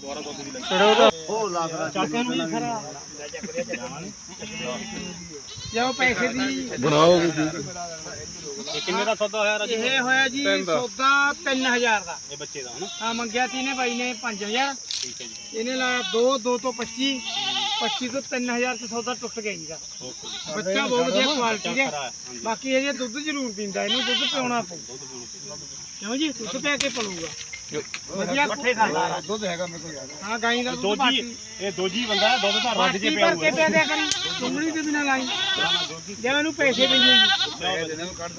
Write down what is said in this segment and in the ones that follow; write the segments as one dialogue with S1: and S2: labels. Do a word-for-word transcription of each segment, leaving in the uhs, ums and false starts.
S1: ਜਾਓ ਪੈਸੇ ਦੀ
S2: ਬਣਾਓ
S1: ਕਿੰਨੇ ਦਾ ਸੌਦਾ ਹੋਇਆ ਰਾਜੂ? ਇਹ ਹੋਇਆ ਜੀ ਸੌਦਾ ਤਿੰਨ ਹਜ਼ਾਰ ਦਾ। ਇਹ ਬੱਚੇ ਦਾ ਹਨਾ? ਹਾਂ ਮੰਗਿਆ ਤੀ ਨੇ ਬਾਈ ਨੇ ਪੰਜ ਹਜ਼ਾਰ। ਠੀਕ ਹੈ ਜੀ। ਇਹਨੇ ਲਾਇਆ ਦੋ ਦੋ ਤੋਂ ਪੱਚੀ ਪੱਚੀ ਤੋਂ ਤਿੰਨ ਹਜ਼ਾਰ ਚ ਸੌਦਾ ਟੁੱਟ ਗਿਆ ਜੀ ਦਾ। ਬੱਚਾ ਬਹੁਤ ਵਧੀਆ ਕੁਆਲਿਟੀ ਦਾ। ਬਾਕੀ ਇਹ ਦੁੱਧ ਜ਼ਰੂਰ ਪੀਂਦਾ, ਇਹਨੂੰ ਦੁੱਧ ਪਿਆਉਣਾ ਪਊ ਕਿਉਂ ਜੀ? ਦੁੱਧ ਪਿਆ ਕੇ ਪਲੂਗਾ ਵਧੀਆ ਪੱਠੇ ਖਾਂਦਾ ਦੁੱਧ ਹੈਗਾ ਮੇਰੇ ਕੋਲ। ਹਾਂ ਗਾਈ ਦਾ ਦੁੱਧ ਬਾਟੀ ਇਹ ਦੋਜੀ ਬੰਦਾ ਹੈ, ਦੁੱਧ ਦਾ ਰੱਜ ਕੇ ਪਿਆ ਹੋਊਗਾ। ਭਰ ਕੇ ਪਿਆ ਦਿਆ ਕਰੀ ਚੁੰਗਲੀ ਦੇ ਬਿਨਾ ਲਾਈ ਜੇ ਇਹਨੂੰ ਪੈਸੇ ਦੇਈਏ ਜੀ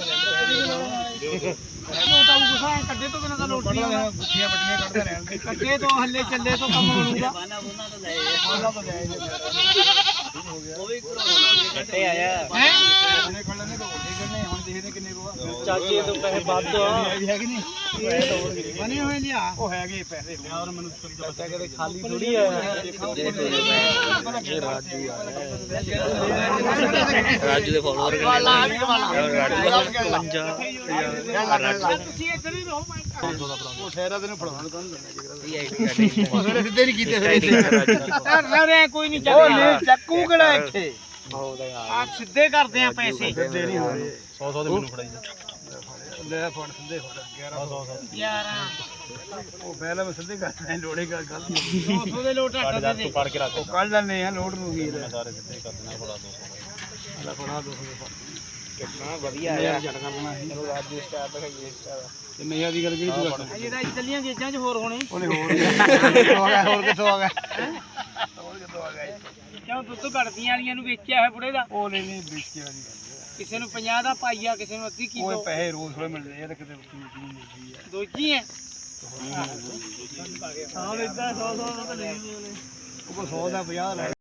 S1: ਲੋਟਾ ਨੂੰ ਗੁੱਸਾ ਕੱਢੇ ਤੋਂ ਬਿਨਾ ਤਾਂ ਲੋਟੀਆਂ ਗੁੱਠੀਆਂ ਵੱਡੀਆਂ ਕੱਢਦੇ ਰਹਿਣ ਕੱਢੇ ਤੋਂ ਹੱਲੇ ਚੱਲੇ ਤੋਂ ਕੰਮ ਬਣੂਗਾ। ਉਹਨਾਂ ਤੋਂ ਲੈ ਉਹਨਾਂ ਤੋਂ ਲੈ ਉਹ ਵੀ ਕੱਟੇ ਆਇਆ ਹੈ ਉਹਨੇ ਖੜਨੇ ਤੋਂ ਵੱਡੇ ਕਰਨੇ ਹੁਣ ਦੇਖਦੇ ਕਿੰਨੇ ਕੋ ਚਾਚੇ ਤੋਂ ਪੈਸੇ ਵੱਧ ਆ ਹੈ ਕਿ ਨਹੀਂ ਬਣੇ ਹੋਏ ਲਿਆ ਉਹ ਹੈਗੇ ਪੈਸੇ ਯਾਰ ਮੈਨੂੰ ਬੱਚਾ ਕਦੇ ਖਾਲੀ ਥੋੜੀ ਆ।
S2: ਰਾਜੂ ਦੇ ਫਾਲੋਅਰ
S1: ਤੁਸੀਂ ਇੱਧਰ ਹੀ ਰਹੋ ਉਹ ਠਹਿਰਾ ਤੈਨੂੰ ਫੜਾਉਣ ਕੰਨ
S2: ਸਿੱਧੇ ਨਹੀਂ ਕੀਤੇ
S1: ਫਿਰ ਕੋਈ ਨਹੀਂ ਚੱਕੂ ਕਿਹੜਾ ਇੱਥੇ ਆ ਸਿੱਧੇ ਕਰਦੇ ਆ ਪੈਸੇ ਸਿੱਧੇ ਨਹੀਂ ਹੋਏ ਸੌ ਸੌ ਦੇ ਮੈਨੂੰ ਫੜਾਈ ਲੈ ਫੜ ਸਿੱਧੇ ਫੜ ਗਿਆਰਾਂ ਸੌ ਗਿਆਰਾਂ ਉਹ ਪਹਿਲਾਂ ਮੈਂ ਸਿੱਧੇ ਕਰਦਾ ਲੋੜੇ ਗੱਲ ਗਲਤੀ ਸੌ ਸੌ ਦੇ ਲੋਟ ਹਟ ਦੇ ਪੜ ਕੇ ਰੱਖ ਉਹ ਕੱਢ ਲੈਣੇ ਆ ਲੋਡ ਨੂੰ ਵੀ ਸਾਰੇ ਸਿੱਧੇ ਕਰ ਦੇਣਾ ਫੜਾ ਦੋ ਸੌ ਲੈ ਫੜਾ ਦੋ ਸੌ ਕਿੰਨਾ ਵਧੀਆ ਆਇਆ ਚਲੋ ਰਾਜੂ ਸਟਾਰ ਦਿਖਾਈਏ ਸਟਾਰ ਤੇ ਨਈਆ ਦੀ ਗੱਲ ਕਿਹੜੀ ਤੂੰ ਕਰਦਾ ਜਿਹੜਾ ਇਟਲੀਆਂ ਗੇਜਾਂ 'ਚ ਹੋਰ ਹੋਣੇ ਉਹਨੇ ਹੋਰ ਕਿੱਥੋਂ ਆ ਗਿਆ ਹੋਰ ਕਿੱਥੋਂ ਆ ਗਿਆ ਹੋਰ ਕਿੱਥੋਂ ਆ ਗਿਆ ਕਿਉਂ ਦੁੱਧ ਘੜਦੀਆਂ ਵਾਲੀਆਂ ਨੂੰ ਵੇਚਿਆ ਹੋਇਆ ਬੁੜੇ ਦਾ ਉਹ ਨਹੀਂ ਨਹੀਂ ਵੇਚਿਆ ਨਹੀਂ ਕਿਸੇ ਨੂੰ ਪੰਜਾਹ ਦਾ ਪਾਈਆ ਕਿਸੇ ਨੂੰ ਅੱਧੀ ਕਿਲੋ ਉਹ ਪੈਸੇ ਰੋਜ਼ ਥੋੜੇ ਮਿਲਦੇ ਆ ਤੇ ਕਿਤੇ ਮਿਲਦੀ ਆ ਦੋਜੀ ਹੈ ਹਾਂ ਇਦਾਂ ਸੌ ਸੌ ਦਾ ਤਾਂ ਲੈ ਉਹ ਸੌ ਦਾ ਪੰਜਾਹ ਲੈ